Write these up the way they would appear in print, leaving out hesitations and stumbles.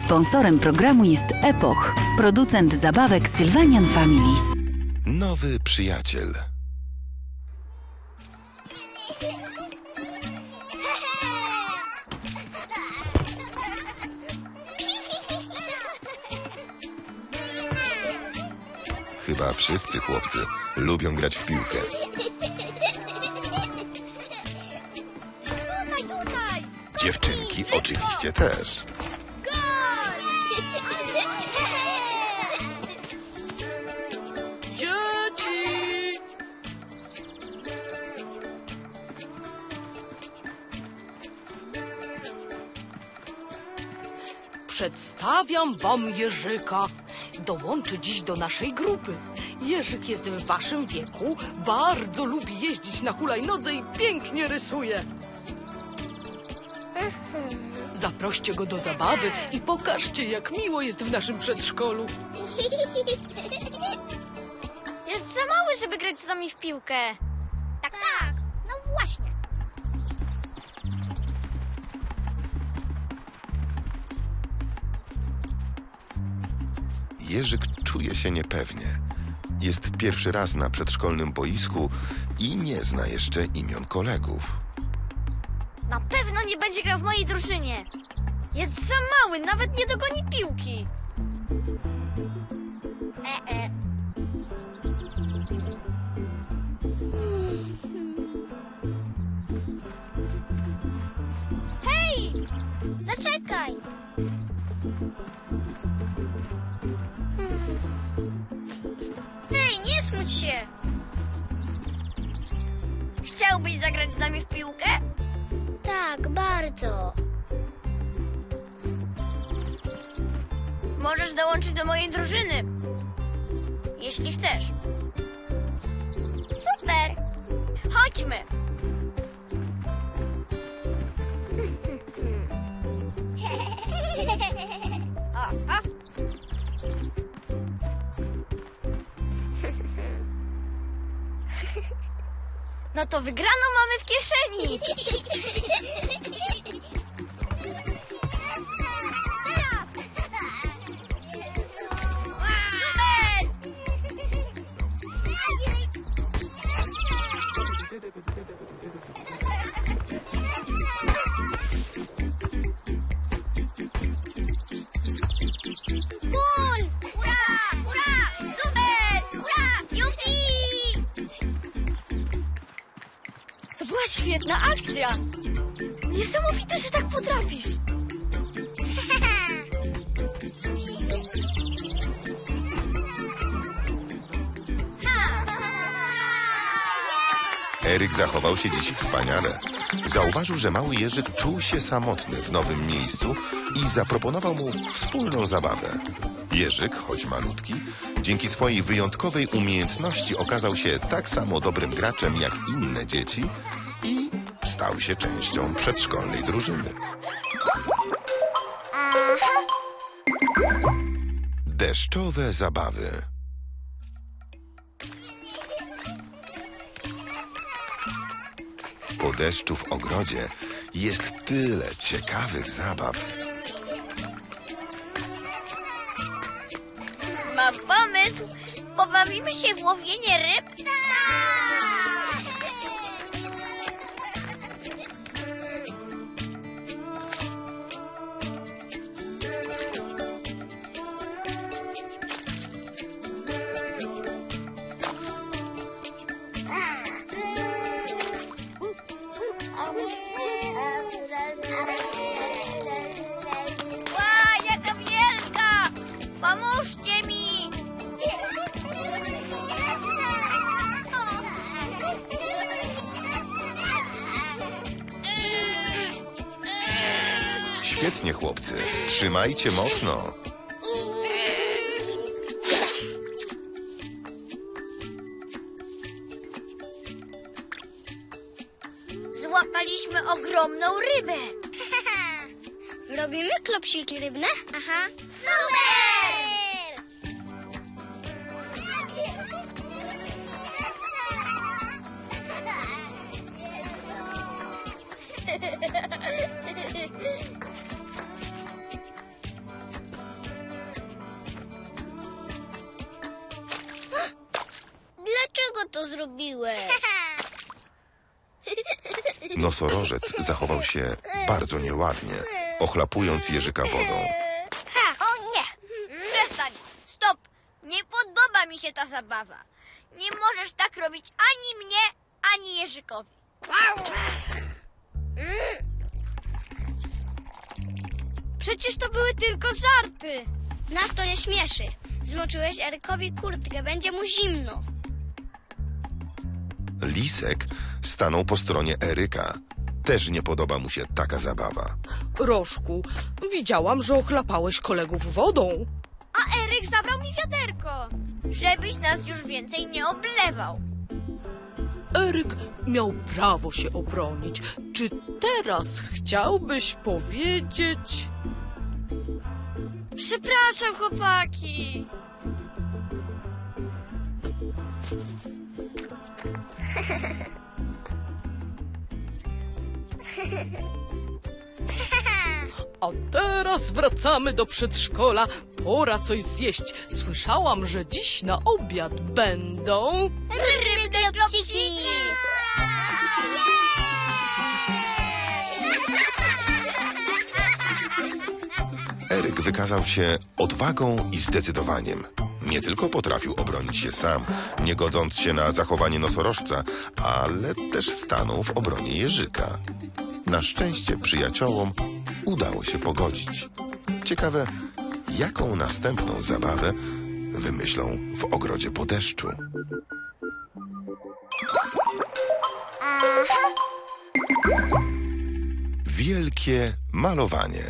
Sponsorem programu jest Epoch, producent zabawek Sylvanian Families. Nowy przyjaciel. Chyba wszyscy chłopcy lubią grać w piłkę. Tutaj! Dziewczynki oczywiście też. Dzieci! Przedstawiam wam Jerzyka. Dołączy dziś do naszej grupy. Jerzyk jest w waszym wieku, bardzo lubi jeździć na hulajnodze i pięknie rysuje. Zaproście go do zabawy i pokażcie, jak miło jest w naszym przedszkolu. Jest za mały, żeby grać z nami w piłkę. Tak, tak. No właśnie. Jerzyk czuje się niepewnie. Jest pierwszy raz na przedszkolnym boisku i nie zna jeszcze imion kolegów. Na pewno nie będzie grał w mojej drużynie. Jest za mały, nawet nie dogoni piłki. Hej! Zaczekaj. Hej, nie smuć się. Chciałbyś zagrać z nami w piłkę? Tak, bardzo. Możesz dołączyć do mojej drużyny. Jeśli chcesz. Super. Chodźmy. O. No to wygraną mamy w kieszeni. Teraz. Super! Gol! Ura! Ura! Super! Ura! Jupi! To była świetna akcja. Niesamowite, że tak potrafisz. Eryk zachował się dziś wspaniale. Zauważył, że mały Jerzyk czuł się samotny w nowym miejscu i zaproponował mu wspólną zabawę. Jerzyk, choć malutki, dzięki swojej wyjątkowej umiejętności okazał się tak samo dobrym graczem jak inne dzieci i stał się częścią przedszkolnej drużyny. Deszczowe zabawy. Po deszczu w ogrodzie jest tyle ciekawych zabaw. Mam pomysł. Pobawimy się w łowienie ryb? Ła, jaka wielka! Pomóżcie mi! Świetnie, chłopcy. Trzymajcie mocno. Złapaliśmy ogromną rybę. Robimy klopsiki rybne? Aha. Super! to zrobiłeś? Nosorożec zachował się bardzo nieładnie, ochlapując Jerzyka wodą. O nie! Przestań! Stop! Nie podoba mi się ta zabawa. Nie możesz tak robić ani mnie, ani Jerzykowi. Przecież to były tylko żarty. Nas to nie śmieszy. Zmoczyłeś Erykowi kurtkę, będzie mu zimno. Lisek stanął po stronie Eryka. Też nie podoba mu się taka zabawa. Rożku, widziałam, że ochlapałeś kolegów wodą. A Eryk zabrał mi wiaderko, żebyś nas już więcej nie oblewał. Eryk miał prawo się obronić. Czy teraz chciałbyś powiedzieć... Przepraszam, chłopaki. A teraz wracamy do przedszkola. Pora coś zjeść. Słyszałam, że dziś na obiad będą... Ryby-klopsiki! Eryk wykazał się odwagą i zdecydowaniem. Nie tylko potrafił obronić się sam, nie godząc się na zachowanie nosorożca, ale też stanął w obronie Jerzyka. Na szczęście przyjaciołom udało się pogodzić. Ciekawe, jaką następną zabawę wymyślą w ogrodzie po deszczu. Wielkie malowanie.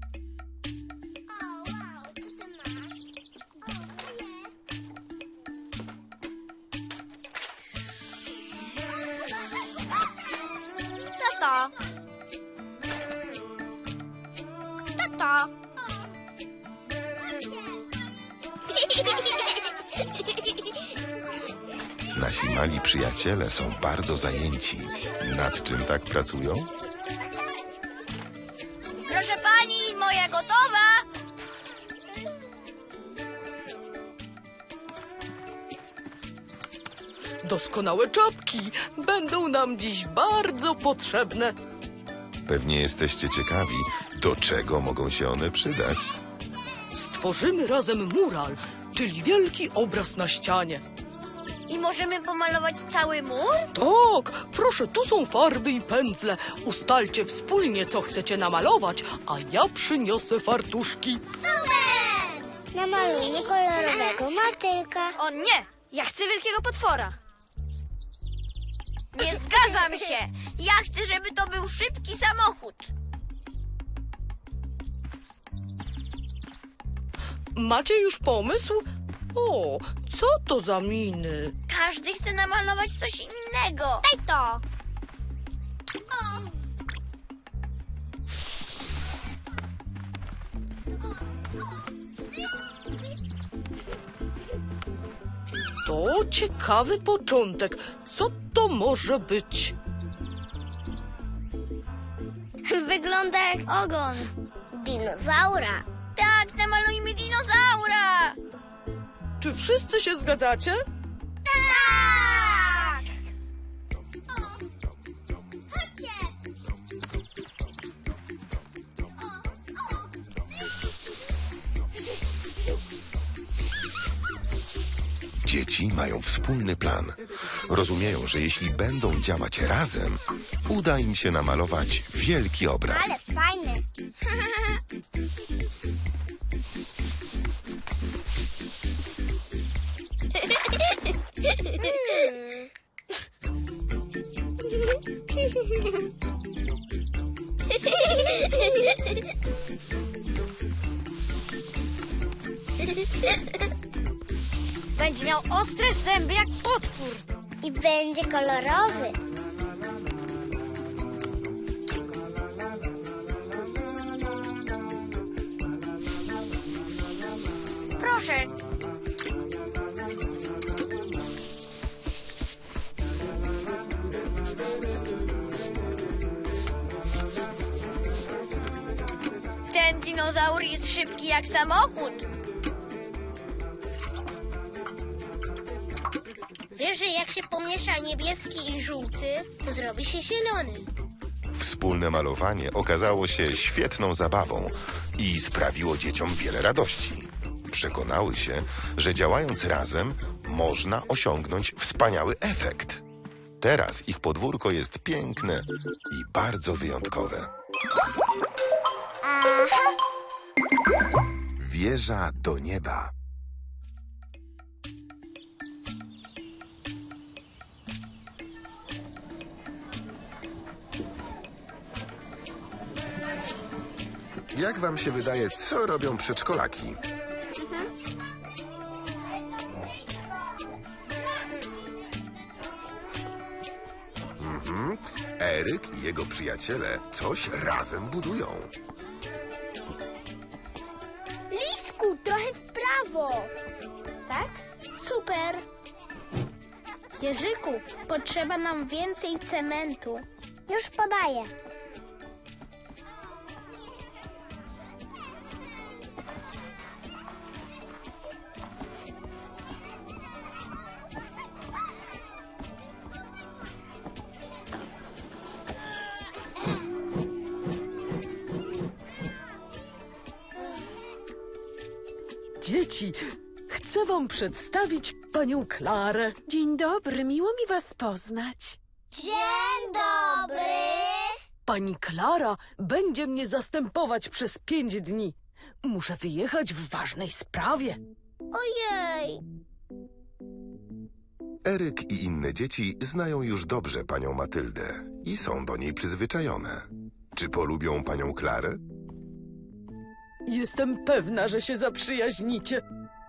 Co to? Kto to? Nasi mali przyjaciele są bardzo zajęci. Nad czym tak pracują? Proszę pani, moja gotowa. Doskonałe czapki będą nam dziś bardzo potrzebne. Pewnie jesteście ciekawi, do czego mogą się one przydać. Stworzymy razem mural, czyli wielki obraz na ścianie. I możemy pomalować cały mur? Tak, proszę, tu są farby i pędzle. Ustalcie wspólnie, co chcecie namalować, a ja przyniosę fartuszki. Namalujmy kolorowego matylka. O nie! Ja chcę wielkiego potwora. Nie zgadzam się. Ja chcę, żeby to był szybki samochód. Macie już pomysł? O, co to za miny? Każdy chce namalować coś innego. Daj to. To ciekawy początek. Co to może być? Wygląda jak ogon dinozaura. Tak, namalujmy dinozaura. Czy wszyscy się zgadzacie? Tak! Dzieci mają wspólny plan. Rozumieją, że jeśli będą działać razem, uda im się namalować wielki obraz. Ale fajny. Będzie miał ostre zęby jak potwór. I będzie kolorowy. Proszę. Ten dinozaur jest szybki jak samochód. Wiesz, że jak się pomiesza niebieski i żółty, to zrobi się zielony. Wspólne malowanie okazało się świetną zabawą i sprawiło dzieciom wiele radości. Przekonały się, że działając razem można osiągnąć wspaniały efekt. Teraz ich podwórko jest piękne i bardzo wyjątkowe. Wieża do nieba. Jak wam się wydaje, co robią przedszkolaki? Eryk i jego przyjaciele coś razem budują. Lisku, trochę w prawo. Tak? Super. Jerzyku, potrzeba nam więcej cementu. Już podaję. Dzieci, chcę wam przedstawić panią Klarę. Dzień dobry, miło mi was poznać. Dzień dobry. Pani Klara będzie mnie zastępować przez 5 dni. Muszę wyjechać w ważnej sprawie. Ojej. Eryk i inne dzieci znają już dobrze panią Matyldę i są do niej przyzwyczajone. Czy polubią panią Klarę? Jestem pewna, że się zaprzyjaźnicie.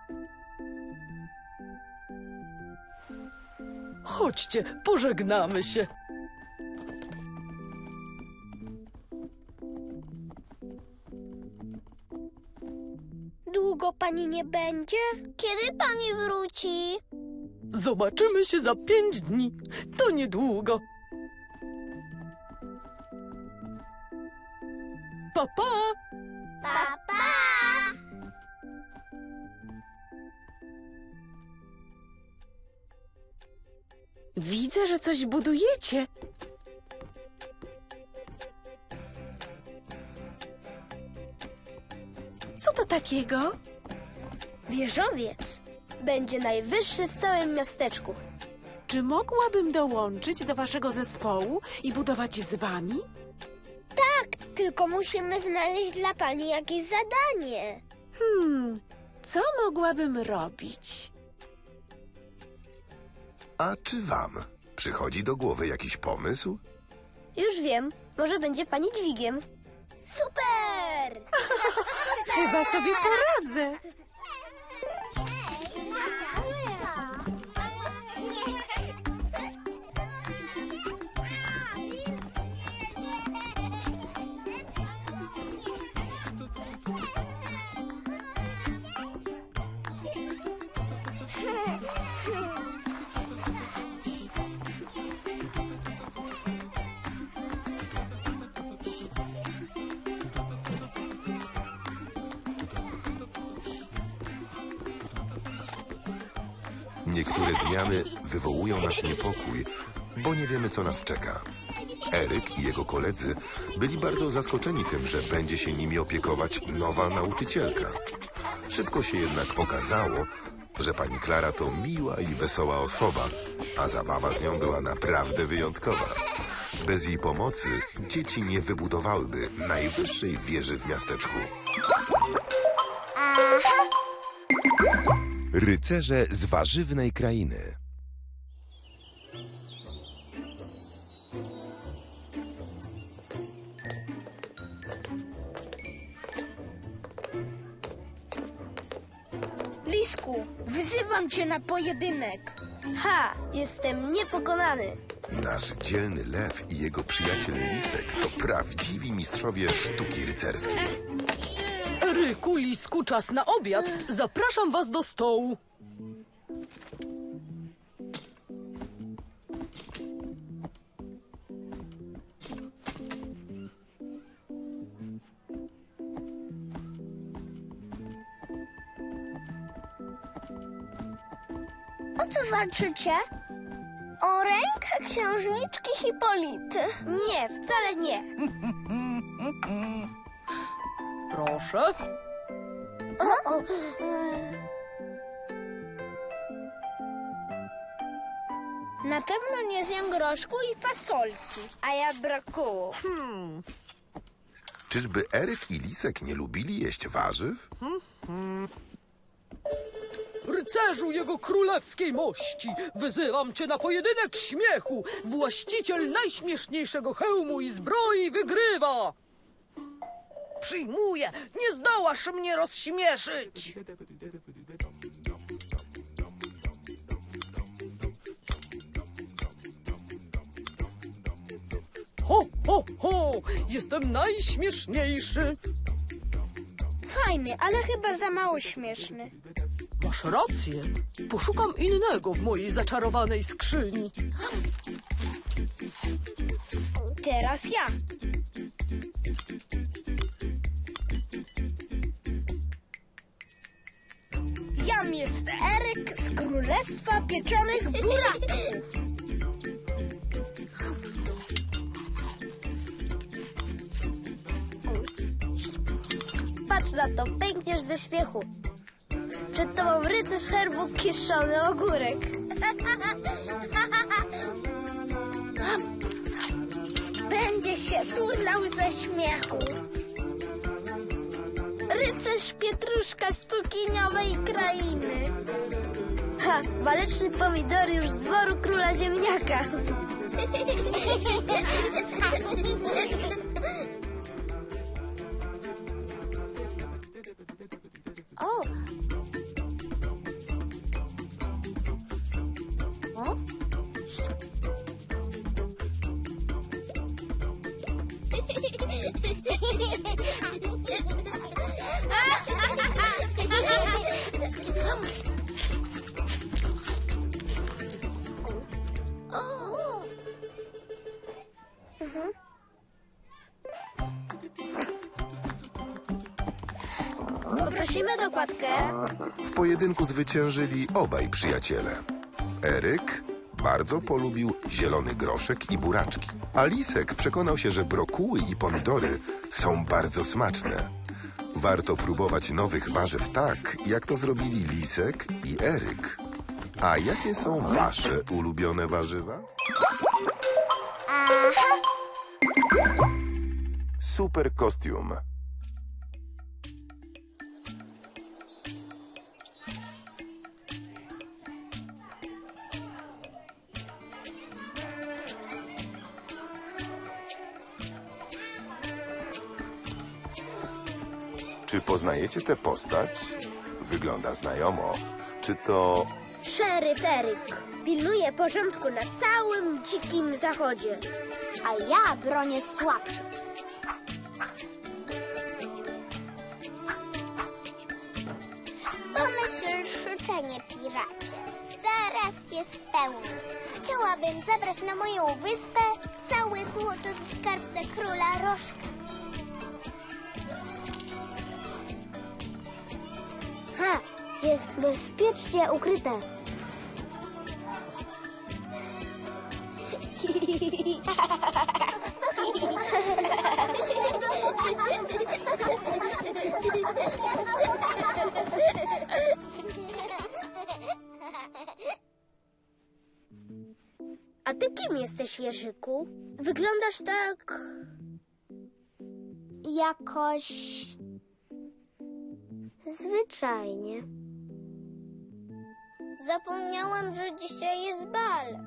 Chodźcie, pożegnamy się. Długo pani nie będzie? Kiedy pani wróci? Zobaczymy się za 5 dni. To niedługo. Pa, pa! Papa. Widzę, że coś budujecie. Co to takiego? Wieżowiec będzie najwyższy w całym miasteczku. Czy mogłabym dołączyć do waszego zespołu i budować z wami? Tak, tylko musimy znaleźć dla pani jakieś zadanie. Co mogłabym robić? A czy wam przychodzi do głowy jakiś pomysł? Już wiem, może będzie pani dźwigiem. Super! Chyba sobie poradzę. Niektóre zmiany wywołują nasz niepokój, bo nie wiemy, co nas czeka. Eryk i jego koledzy byli bardzo zaskoczeni tym, że będzie się nimi opiekować nowa nauczycielka. Szybko się jednak okazało, że pani Klara to miła i wesoła osoba, a zabawa z nią była naprawdę wyjątkowa. Bez jej pomocy dzieci nie wybudowałyby najwyższej wieży w miasteczku. Rycerze z warzywnej krainy. Lisku, wyzywam cię na pojedynek. Ha, jestem niepokonany. Nasz dzielny lew i jego przyjaciel Lisek to prawdziwi mistrzowie sztuki rycerskiej. Eryku, Lisku, czas na obiad. Zapraszam was do stołu. O co walczycie? O rękach księżniczki Hipolity. Nie, wcale nie. Proszę. Na pewno nie zjem groszku i fasolki. A ja brokułu. Czyżby Eryk i Lisek nie lubili jeść warzyw? Rycerzu jego królewskiej mości, wyzywam cię na pojedynek śmiechu. Właściciel najśmieszniejszego hełmu i zbroi wygrywa. Przyjmuję, nie zdołasz mnie rozśmieszyć. Ho, ho, ho, jestem najśmieszniejszy. Fajny, ale chyba za mało śmieszny. Masz rację. Poszukam innego w mojej zaczarowanej skrzyni. Teraz ja. Jam jest Eryk z Królestwa Pieczonych Buraków. Patrz na to, pękniesz ze śmiechu. Przed tobą rycerz herbu kiszony ogórek. Będzie się turlał ze śmiechu. Rycerz Pietruszka z cukiniowej krainy. Ha, waleczny pomidor już z dworu króla ziemniaka. O! O? Poprosimy dokładkę. W pojedynku zwyciężyli obaj przyjaciele. Eryk bardzo polubił zielony groszek i buraczki, a Lisek przekonał się, że brokuły i pomidory są bardzo smaczne. Warto próbować nowych warzyw tak, jak to zrobili Lisek i Eryk. A jakie są wasze ulubione warzywa? Super kostium. Czy poznajecie tę postać? Wygląda znajomo. Czy to... Szeryf Eryk pilnuje porządku na całym dzikim zachodzie, a ja bronię słabszych. Pomyśl, życzenie, piracie. Zaraz je spełnię. Chciałabym zabrać na moją wyspę całe złoto ze skarbca króla Rożka. Ha! Jest bezpiecznie ukryte. A ty kim jesteś, Jerzyku? Wyglądasz tak... Jakoś zwyczajnie. zapomniałam, że dzisiaj jest bal.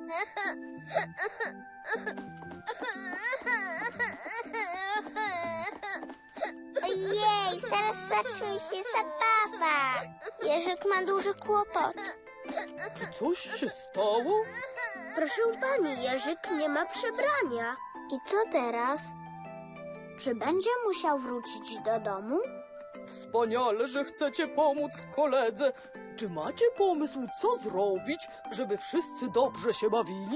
Ojej, zaraz zacznie się zabawa. Jerzyk ma duży kłopot. Czy coś się stało? Proszę pani, Jerzyk nie ma przebrania. I co teraz? Czy będzie musiał wrócić do domu? Wspaniale, że chcecie pomóc koledze. Czy macie pomysł, co zrobić, żeby wszyscy dobrze się bawili?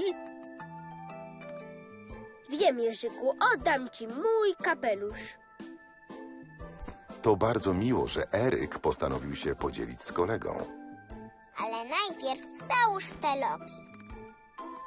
Wiem, Jerzyku, oddam ci mój kapelusz. To bardzo miło, że Eryk postanowił się podzielić z kolegą. Ale najpierw załóż te loki.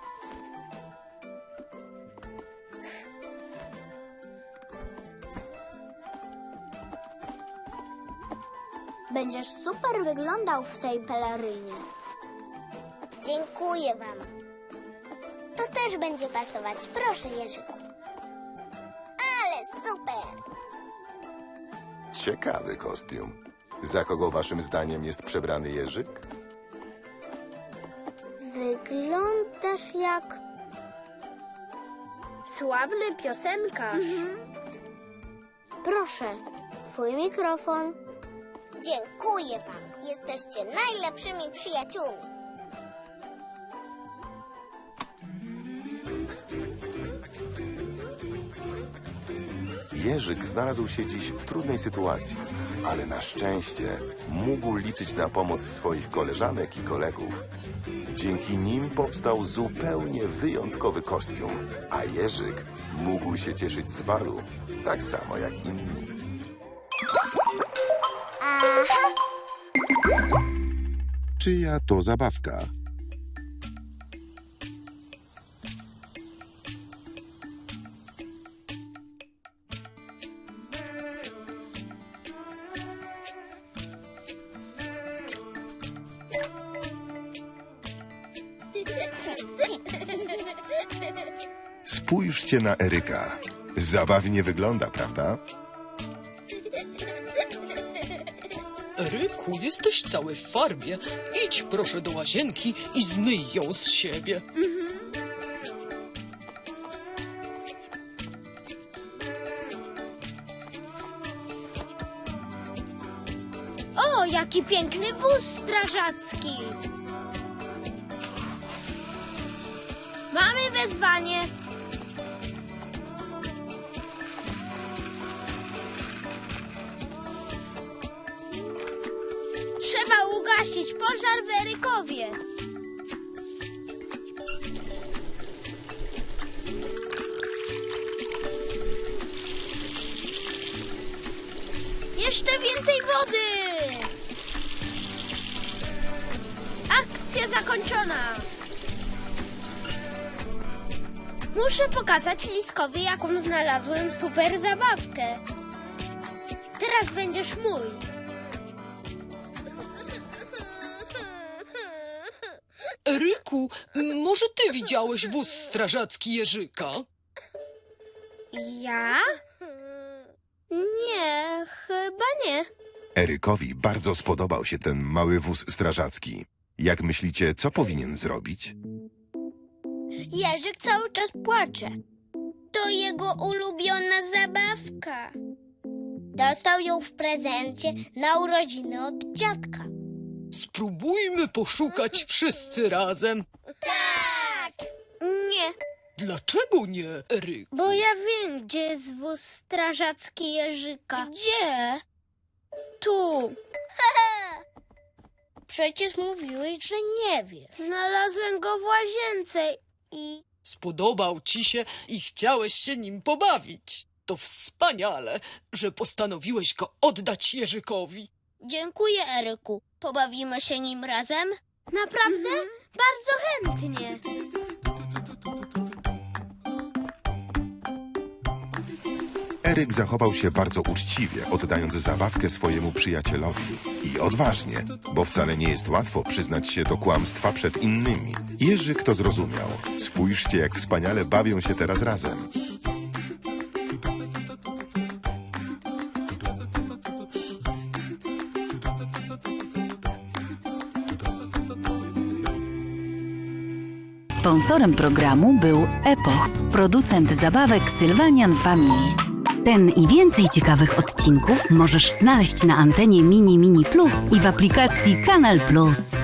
Będziesz super wyglądał w tej pelerynie. Dziękuję wam. To też będzie pasować. Proszę, Jerzyku. Ale super! Ciekawy kostium. Za kogo waszym zdaniem jest przebrany Jerzyk? Wyglądasz jak sławny piosenkarz. Proszę, twój mikrofon. Dziękuję wam. Jesteście najlepszymi przyjaciółmi. Jerzyk znalazł się dziś w trudnej sytuacji, ale na szczęście mógł liczyć na pomoc swoich koleżanek i kolegów. Dzięki nim powstał zupełnie wyjątkowy kostium, a Jerzyk mógł się cieszyć z balu, tak samo jak inni. Aha! Czyja to zabawka? Spójrzcie na Eryka. Zabawnie wygląda, prawda? Eryku, jesteś cały w farbie. Idź proszę do łazienki i zmyj ją z siebie. O, jaki piękny wóz strażacki! Mamy wezwanie. Trzeba ugasić pożar w Erykowie. Jeszcze więcej wody! Akcja zakończona! Muszę pokazać Liskowi, jaką znalazłem super zabawkę. Teraz będziesz mój. Eryku, może ty widziałeś wóz strażacki Jerzyka? Ja? Nie, chyba nie. Erykowi bardzo spodobał się ten mały wóz strażacki. Jak myślicie, co powinien zrobić? Jerzyk cały czas płacze. To jego ulubiona zabawka. Dostał ją w prezencie na urodziny od dziadka. Spróbujmy poszukać wszyscy razem. Nie, Dlaczego nie, Eryk? bo ja wiem, gdzie jest wóz strażacki Jerzyka. Gdzie? Tu. Przecież mówiłeś, że nie wiesz. Znalazłem go w łazience i... Spodobał ci się i chciałeś się nim pobawić. To wspaniale, że postanowiłeś go oddać Jerzykowi. Dziękuję, Eryku. Pobawimy się nim razem? Naprawdę? Bardzo chętnie. Eryk zachował się bardzo uczciwie, oddając zabawkę swojemu przyjacielowi. I odważnie, bo wcale nie jest łatwo przyznać się do kłamstwa przed innymi. Jerzyk to zrozumiał. Spójrzcie, jak wspaniale bawią się teraz razem. Sponsorem programu był Epoch, producent zabawek Sylvanian Families. Ten i więcej ciekawych odcinków możesz znaleźć na antenie Mini Plus i w aplikacji Kanal Plus.